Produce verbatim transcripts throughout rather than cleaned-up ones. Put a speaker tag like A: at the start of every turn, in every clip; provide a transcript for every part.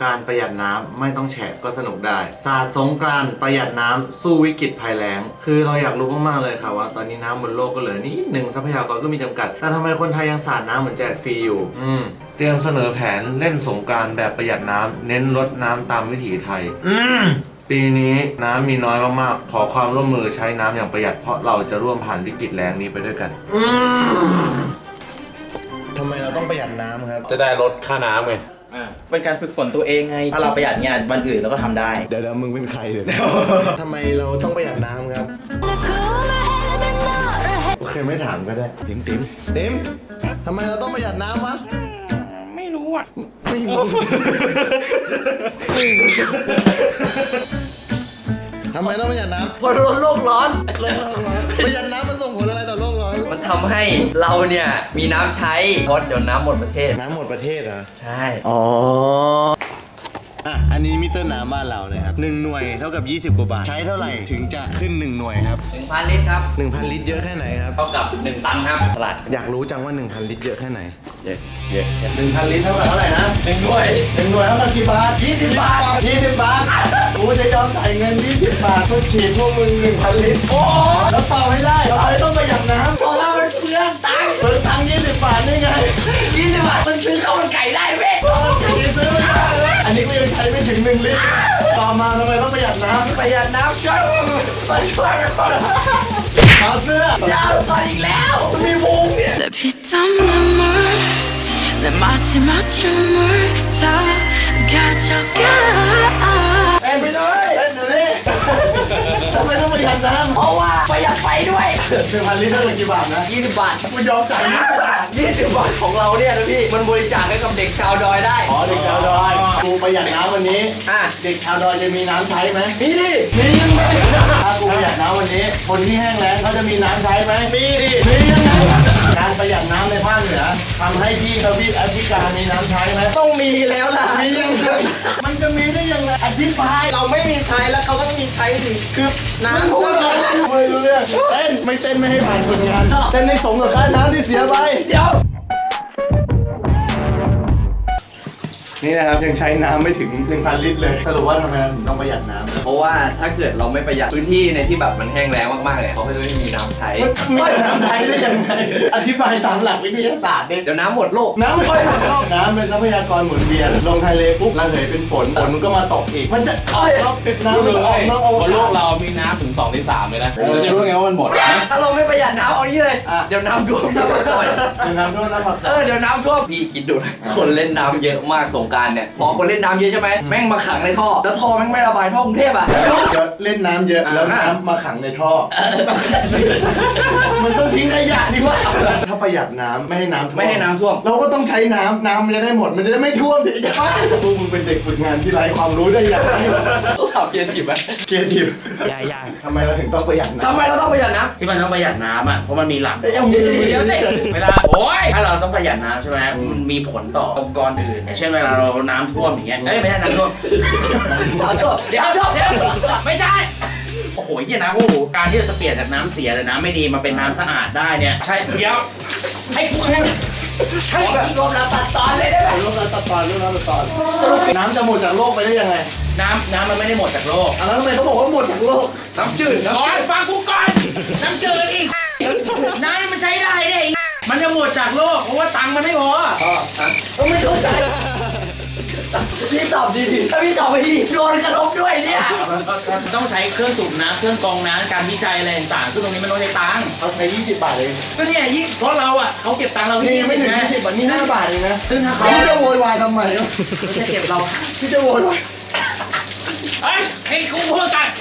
A: กรานต์ประหยัดน้ำไม่ต้องแฉะก็สนุกได้สาดสงกรานต์ประหยัดน้ำสู้วิกฤตภัยแล้งคือเราอยากรู้มากๆเลยค่ะว่าตอนนี้น้ำบนโลกก็เหลือนิดหนึ่งทรัพยากรก็มีจำกัดแต่ทำไมคนไทยยังสาดน้ำเหมือนแจกฟรีอยู่อืมเตรียมเสนอแผนเล่นสงกรานต์แบบประหยัดน้ำเน้นลดน้ำตามวิถีไทยอืมปีนี้น้ำมีน้อยมากๆขอความร่วมมือใช้น้ำอย่างประหยัดเพราะเราจะร่วมผ่านวิกฤตแล้งนี้ไปด้วยกันอืมทำไมเราต้องประหยัดน้ำครับ
B: จะได้ลดค่าน้ำไง
C: เป็นการฝึกฝนตัวเองไงถ้าเราประหยัดงานวันอื่นเราก็ทำได้
A: เดี๋ยวเดี๋ยวมึงเป็นใครเดี๋ยวทำไมเราต้องประหยัดน้ำครับโอเคไม่ถามก็ได้ติ๋มติ๋มติ๋มทำไมเราต้องประหยัดน้ำวะ
D: ไม่รู้อ่ะ
A: ไม่รู้ทำไมต้องประหยัดน้ำ
D: เพราะโลกร้อน
A: โลกร้อนประหยัดน้ำมันส่งผลอะไรต่อโลกร้อน
D: มันทำให้เราเนี่ยมีน้ำใช้เพราะเดี๋ยวน้ำหมดประเทศ
A: น้ำหมดประเทศเหรอ
D: ใช่
A: อ๋ออ่ะอันนี้มิเตอร์น้ำบ้านเราเลยครับหนึ่งหน่วยเท่ากับยี่สิบกว่าบาทใช้เท่าไหร่ถึงจะขึ้นหนึ่งหน่วยครับ
D: หนึ่งพัน ลิตรครับ
A: หนึ่งพัน ลิตรเยอะแค่ไหนครับ
D: เท่ากับหนึ่งตันครับตลาด
A: อยากรู้จังว่าหนึ่งพัน ลิตรเยอะแค่ไหน
D: เยอะเยอะ
A: หนึ่งพัน ลิตรเท่ากับเท่าไหร่นะ
D: หนึ่งหน่วย
A: หนึ่งหน่วยเท่ากับกี่บาทยี่สิบบาทยี่สิบบาทกูจะยอมจ่ายเงินยี่สิบบาทเพื่อฉีดพวกมึงหนึ่งพัน ลิตรโอ้แล้วต่อไม่ได้เราเลยต้องประหยัดน้ำ
D: เพราะว่ามันเปลืองตังค์
A: เปลืองตังค์ยี่สิบบาทนี่ไง
D: ยี่สิบบาทมันซื้อข้าวมันไก่ได้เว้ย
A: ซื้อไม่ได้อันนี้ก็ยังใช้ไม่ถึงหนึ่งลิตรต่อมาทำไมต้องประหยัดน้ำ
D: ประหยัดน้ำช่วยมาช่วยกันก่อน
A: ขอเสื้
D: อยาวก่อนอีกแล้วมีวงเนี่ย
E: 내 피땀 눈물 내 마지막 춤을 다 가져가
A: เต้นไปเลยเต้นเดี๋ยวนี้ทำไมต้องประหยัดน้ำ
D: เพราะว่าประหยัดไฟด้วย
A: หนึ่งพัน ลิตรเท่ากับกี่บาทนะ
D: ยี่สิบบาท
A: กูยอมจ่ายยี่สิบบาท
D: ยี่สิบบาทของเราเนี่ยนะพี่มันบริจาคให้กับเด็กชาวดอยได้
A: อ๋อเด็กชาวดอยกูประหยัดน้ำวันนี้
D: อ่ะ
A: เด็กชาวดอยจะมีน้ำใช้ไหม
D: มีดิ
A: มียังไงถ้ากูประหยัดน้ำวันนี้คนที่แห้งแล้งเขาจะมีน้ำใช้ไหมมีดิมียังไงการประหยัดน้ำในภาคเหนือทำให้ที่ทวีปแอฟริกามีน้ำใช้ไหม
D: ต้องมีแล้วล่ะ
A: มียังไงมันจะมีได้ยังไงอธิบาย
D: เราไม่มีใช้แล้วเขาก็ไม่มีใช้สิคือน้ำ
A: ก็ไม่รู้เรื่องเต้นไม่เต้นไม่ให้ผ่านผลงานเต้นในสมกับค่าน้ำที่เสียไป
D: เดี๋ยว
A: นี่นะครับยังใช้น้ำไม่ถึง หนึ่งพัน ลิตรเลยสรุปว่าทำไมถึงต้องประหยัดน้ำ
D: เพราะว่าถ้าเกิดเราไม่ประหยัดพื้นที่ในที่แบบมันแห้งแล้งมากๆเนี่ยเขาก็จะไม่มีน้ำใช้
A: มีน้ำใช้ได้ยังไงอธิบายตามหลักวิทยาศาสตร์ดิ
D: เดี๋ยวน้ำหมดโลก
A: น้ำไม่ค่อยหมดโลกน้ำเป็นทรัพยากรหมุนเวียนลงทะเลปุ๊บระเหยเป็นฝนฝนมันก็มาตกอีกมันจะ
B: เอ้
A: ยน้ำมันออกนอก
B: บนโลกเรามีน้ำถึงสองในสามเลยนะเราจะรู้ไงว่ามันหมด
D: ถ้าเราไม่ประหยัดน้ำเอางี้เลยเดี๋ยวน้ำท่วมน้ำปักซอย
A: เดี๋ยวน้ำท่วมน้ำปักซอย
D: เออเดี๋ยวน้ำท่วมพี่คิดดูนะคนเล่นน้ำเยอะมากสงกรานต์เนี่ยพอคนเล่นน้ำเยอะใช่ไหมแม่งมาขังในท่อแล้วท่อแม่งไม่ระบายท่อกรุงเทพอ่ะ
A: เล่นน้ำเยอะแล้วน้ำมาขังในท่อมันต้องทิ้งขยะดีกว่าถ้าประหยัดน้ำไม่ให้น้ำท่วม
D: ไม่ให้น้ำท่วม
A: เราก็ต้องใช้น้ำน้ำมันจะได้หมดมันจะได้ไม่ท่วมดิจ้าพวกมึงเป็นเด็กฝึกงานที่ไร้ความรู้ได้ยังไง
D: ต้องถามเกียร์ทิพย์ไหม
A: เกียร์ทิพย์
C: ยากยาก
A: ทำไมเราถึงต้องประหยัดน้ำ
D: ทำไมเราต้องประหยัดน้ำ
C: ที่มันต้องประหยัดน้ำอ่ะเพราะมันมีหลัก
A: เดี๋ยวสิ
C: เวลาโอ้ยถ้าเราต้องประหยัดน้ำใช่ไหมมันมีผลต่อองค์กรอื่นอย่างเช่นเวลาเราน้ำท่วมอย่างเงี้ยเอ้ยไม่ใช่น้ำท่วม
D: เดี๋ยวเดี๋ยวเดี๋ยวเดี๋ยว
C: ไม่ใช่โอ้โหเหี้ยนะโอ้โหการที่จะเปลี่ยนจากน้ำเสียหรือน้ำไม่ดีมาเป็นน้ำสะอาดได้เนี่ยใช่เดี๋ยวให้กูให้
D: ให้รวมเราตัดตอนเลยได้ไหม
A: รวมเราตัดตอนรวมเราตัดตอนสรุปน้ำจะหมดจากโลกไปได้ยังไง
C: น้ำน้ำมันไม่ได้หมดจากโลก
A: แล้วทำไมเขาบอกว่าหมดจากโลก
D: น้ำจืด
C: ก่อนฟังกูก่อนน้ำจืดอีกน้ำมันใช้ได้เนี่ยมันจะหมดจากโลกเพราะว่าตังค์มันไม่พอ
D: อ๋อต้องไม่เข้าใจพี่ตอบดีดิถ้าพี่ตอบไม่ดีโดนกระทบด้วยเนี่ย
C: ต้องใช้เครื่องสูบน้ำเครื่องกรองน้ำการวิจัยอะไรต่างๆซึ่งตรงนี้มันต้องใช้ตังค์
A: เขาใช้ยี่สิบบาทเลย
C: ก็เนี่ยยิ่งเพราะเราอ่ะเขาเก็บตังค์เราที่
A: ไม่ถึงยี่สิบบาทนี่ห้าบาทเองนะ
C: ซึ่งถ้าเขา
A: จะโวยวายทำไม
C: เขาจะเก็บเรา
A: ที่จะโวยวาย
C: เฮ้ยให้กูพูดกัน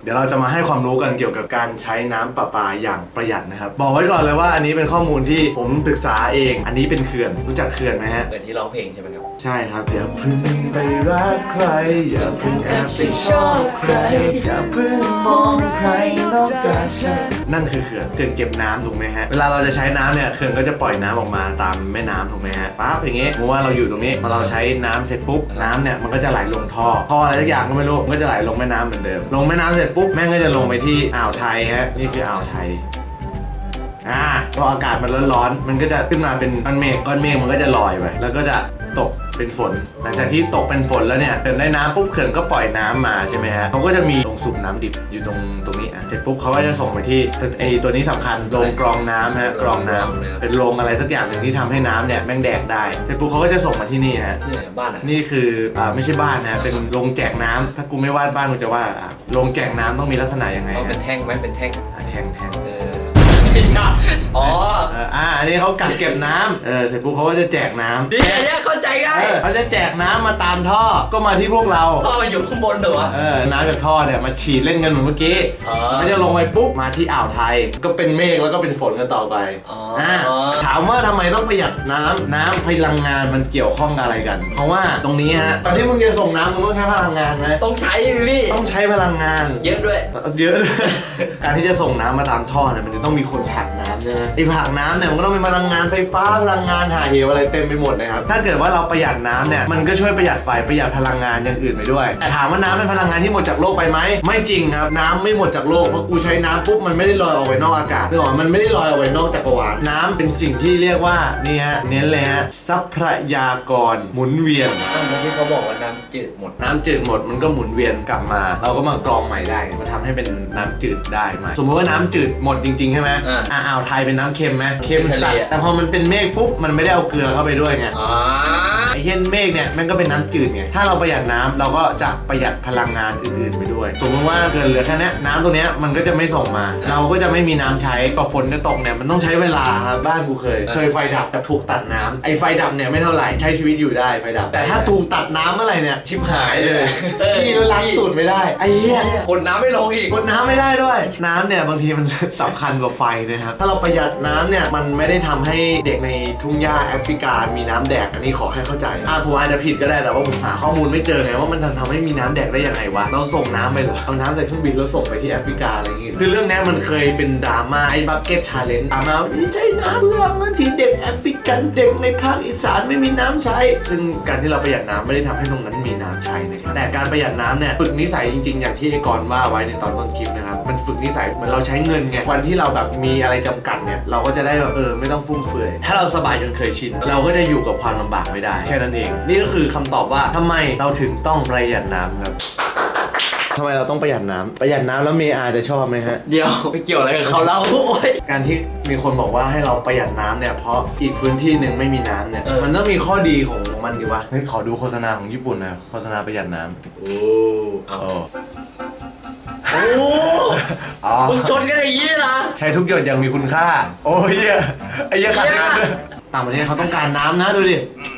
A: เดี๋ยวเราจะมาให้ความรู้กันเกี่ยวกับการใช้น้ำประปาอย่างประหยัดนะครับบอกไว้ก่อนเลยว่าอันนี้เป็นข้อมูลที่ผมศึกษาเองอันนี้เป็นเขื่อนรู้จักเขื่อนไหมฮะ
D: เกิดที่ร้องเพลงใช่ไหมครับ
A: ใช่ครับอย่าเพึ่งไปรักใครอย่าเพึ่งแอบไปชอบใครอย่าเพึ่งมองใครนอกจากฉันนั่นคือเขื่อนเขื่อนเก็บน้ำถูกไหมฮะเวลาเราจะใช้น้ำเนี่ยเขื่อนก็จะปล่อยน้ำออกมาตามแม่น้ำถูกไหมฮะปั๊บอย่างงี้สมมติว่าเราอยู่ตรงนี้พอเราใช้น้ำเสร็จปุ๊บน้ำเนี่ยมันก็จะไหลลงท่อท่ออะไรสักอย่างก็ไม่รู้มันก็จะไหลลงแม่น้ำเหมือนเดิมลงแม่น้ำเสร็จปุ๊บแม่งก็จะลงไปที่อ่าวไทยฮะนี่คืออ่าวไทยอ่าพออากาศมันร้อนๆมันก็จะขึ้นมาเป็นก้อนเมฆก้อนเมฆมันก็จะลอยไปแล้วก็จะตกเป็นฝนหลังจากที่ตกเป็นฝนแล้วเนี่ยเขื่อนได้น้ำปุ๊บเขื่อนก็ปล่อยน้ำมาใช่ไหมฮะเขาก็จะมีโรงสูบน้ำดิบอยู่ตรงตรงนี้อ่ะเสร็จปุ๊บเขาก็จะส่งไปที่ไอตัวนี้สำคัญโรงกรองน้ำฮะกรองน้ำเป็นโรงอะไรสักอย่างหนึ่งที่ทำให้น้ำเนี่ยแม่งแดกได้เสร็จปุ๊บเขาก็จะส่งมาที่นี่ฮะ
D: นี่ไหนบ้านอ่ะ
A: นี่คืออ่าไม่ใช่บ้านนะเป็นโรงแจกน้ำถ้ากูไม่วาดบ้านกูจะวาดอ่ะโรงแจกน้ำต้องมีลักษณะยังไง
D: เอาเป็น
A: ฮะ
D: แท่งไหมเป็นแท่ง
A: อ่ะแทงแทง
D: เอออ๋อ
A: เอออ่าอันนี้เขากักเก็บน้ำเออเสร็จปุ๊บเขาก็จะแจกน้ำ
D: นี่อันเนี้ยเข้าใจง่าย
A: เออเขาจะแจกน้ำมาตามท่อก็มาที่พวกเรา
D: ท่อมันอยู่ข้างบนเหรอวะ
A: เออน้ำจากท่อเนี่ยมาฉีดเล่นกันเหมือนเมื่อกี้
D: อ๋อ
A: มันจะลงไปปุ๊บมาที่อ่าวไทย ก็เป็นเมฆแล้วก็เป็นฝนกันต่อไป
D: อ๋ออ่
A: าถามว่าทำไมต้องประหยัดน้ำน้ำพลังงานมันเกี่ยวข้องกับอะไรกัน เพราะว่าตรงนี้ฮะตอนที่มึงจะส่งน้ำมึงต้องใช้พลังงานไหม
D: ต้องใช้พี่
A: ต้องใช้พลังงาน
D: เยอะด้วย
A: เยอะ การที่จะส่งน้ำมาตามท่อเนี่ยมันจะต้องมีคนผลักน้ำใช่ไหมไอ้ผลักน้ำเนี่ยมันก็ต้องเป็นพลังงานไฟฟ้าพลังงานหาเหวอะไรเต็มไปหมดนะครับถ้าเกิดว่าเราประหยัดน้ำเนี่ยมันก็ช่วยประหยัดไฟประหยัดพลังงานอย่างอื่นไปด้วยแต่ถามว่าน้ำเป็นพลังงานที่หมดจากโลกไปไหมไม่จริงครับน้ำไม่หมดจากโลกเพราะกูใช้น้ำปุ๊บมันไม่ได้ลอยออกไปนอกอากาศนึกออกไหมมันไม่ได้ลอยออกไปนอกจักรวาลน้ำเป็นสิ่งที่เรียกว่านี่ฮะเน้นเลยฮะทรัพยากรหมุนเวียน
D: อ้าวเมื่อกี้เขาบอกว่าน้ำจืดหมด
A: น้ำจืดหมดมันก็หมุนเวียนกลับมา เราก็มากรองใหม่ได้มันทำให้เป็นน้ำจืดได้ใหม่สมมติว่าน้ำจืดหมดจริงๆใช่ไหม
D: อ่า
A: อ่าอ่าวไทยเป็นน้ำเค็มไหมเค็ม
D: เป็นทะเล
A: สัตว์
D: อะ
A: แต่พอมันเป็นเมฆปุ๊บมันไม่ได้เอาเกลือเข้าไปด้วยไง
D: อ๋อ
A: ไอ้เช่นเมฆเนี่ยมันก็เป็นน้ำจืดไงถ้าเราประหยัดน้ำเราก็จะประหยัดพลังงานอื่นๆไปด้วยสมมติว่าเกินเหลือแค่นี้น้ำตัวเนี้ยมันก็จะไม่ส่งมา เราก็จะไม่มีน้ำใช้พอฝนจะตกเนี่ยมันต้องใช้เวลาครับบ้านกูเคย เคยไฟดับแบบถูกตัดน้ำไอ้ไฟดับเนี่ยไม่เท่าไหร่ใช้ชีวิตอยู่ได้ไฟดับแต่ถ้าถูกตัดน้ำเมื่อไหร่เนี่ยชิบหายเลยขี้แล้วล้างตูดไม่ได้ไอ้เหี้ย
D: คนน้ำไม่ลงอีก
A: กดน้ำไม่ได้ด้วย น้ำเนี่ยบางทีมัน สำคัญกว่าไฟนะครับถ้าเราประหยัดน้ำเนี่ยมันไม่ได้ทำให้เด็กในทุ่งหญ้าแอฟริกามีน้ำแดกอันนี้ขอให้เข้าใจอ่าผมอาจจะผิดก็ได้แต่ว่าผมหาข้อมูลไม่เจอไงว่ามันทำให้มีน้ำแดกได้ยังไงวะเราส่งน้ำไปเหรอเอาน้ำใส่เครื่องบินแล้วส่งไปที่แอฟริกาอะไรอย่างงี้คือเรื่องนี้มันเคยเป็นดราม่าไอ้บักเก็ตชาเลนจ์ดราม่านี่ใช้น้ำเพื่อบางทีเด็กแอฟริกันเด็กในภาคอีสานไม่มีน้ำใช้ซึ่งการที่เราประหยัดน้ำไม่ได้ทำให้ตรงนั้นมีน้ำใช้นะครับแต่การประหยัดน้ำเนี่ยฝึกนิสัยจริงๆอย่างที่ไอ้กรณ์ว่าไว้ในตอนต้นคลิปนะครับมันฝึกนิสัยเหมือนเราใช้เงินไงวันที่เราแบบมีอะไรจำกัดเนี่ยเราก็จะได้แบบเออไม่ต้องฟุ่มเฟือยถ้าเราสบายจนเคยชินเราก็จะอยู่กับความลำบากไม่ได้แค่นั้นเองนี่ก็คือคำตอบว่าทำไมเราถึงต้องประหยัดน้ำครับทำไมเราต้องประหยัดน้ำประหยัดน้ำแล้วเมอาจะชอบไหมฮะ
D: เดี๋ยวไปเกี่ยวอะไรกับเขาเล่าโอ้ย
A: การที่มีคนบอกว่าให้เราประหยัดน้ำเนี่ยเพราะอีกพื้นที่หนึ่งไม่มีน้ำเนี่ย
D: เออ
A: มันต้องมีข้อดีของมันดิวะเฮ้ยขอดูโฆษณาของญี่ปุ่นหน่อยโฆษณาประหยัดน้ำ
D: โอ้เอา
A: โอ้
D: โอ้
A: อ๋อ
D: มึงชนกันอย่างนี้นะ
A: ใช้ทุกหยดอย่างมีคุณค่าโอ้ยเหี้ยไอ้เหี้ยขัดกันด้วยต่างประเทศเขาต้องการน้ำนะดูดิ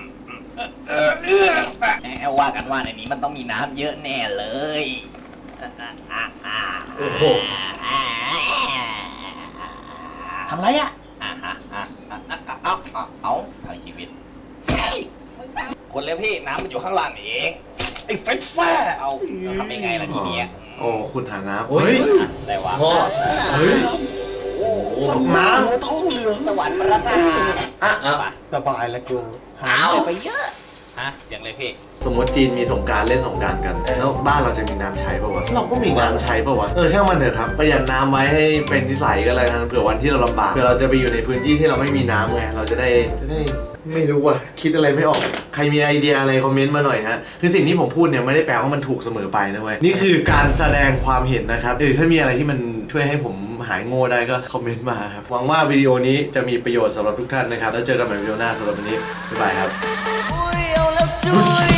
F: ว่ากันว่าในนี้มันต้องมีน้ำเยอะแน่เลย
D: โอ้โห
F: ทำไรอ่ะเอาเอาเอาเอาชีวิตคนเลยพี่น้ำมันอยู่ข้างล่างนี่เองไอ้ไฟฟ้าเอาจะทำยังไงล่ะทีเนี้ย
A: โอ้คุณหาน้ำ
D: เฮ้
A: เฮ้
D: ย
A: ย
F: อะไรวะ
D: พ่อ
A: เฮ้ย
F: โอ้โห
A: น้
F: สวรรค์ประทาน
A: ำอ่ะ
D: อ่ะ
G: สบายแล้วกู
F: หายไปเยอะฮะเสียงเลยพี่
A: สมมติจีนมีสงกรารเล่นสงกรารกันแล้วบ้านเราจะมีน้ำใช้ป่าวะเราก็มีน้ำใช้ป่าวะเออช่างมันเถอะครับประหยัดน้ำไว้ให้เป็นนิสัยก็แล้วกันเผื่อวันที่เราลำบากเผื่อเราจะไปอยู่ในพื้นที่ที่เราไม่มีน้ำไงเราจะได้จะได้ไม่รู้ว่ะคิดอะไรไม่ออกใครมีไอเดียอะไรคอมเมนต์มาหน่อยฮะคือสิ่งที่ผมพูดเนี่ยไม่ได้แปลว่ามันถูกเสมอไปนะเว้ยนี่คือการแสดงความเห็นนะครับเออถ้ามีอะไรที่มันช่วยให้ผมหายโง่ได้ก็คอมเมนต์มาครับหวังว่าวิดีโอนี้จะมีประโยชน์สำหรับทุกท่านนะครับแล้วเจอกันใหม่วิดีโอหน้าสำหรับวันนี้บ๊ายบายครับ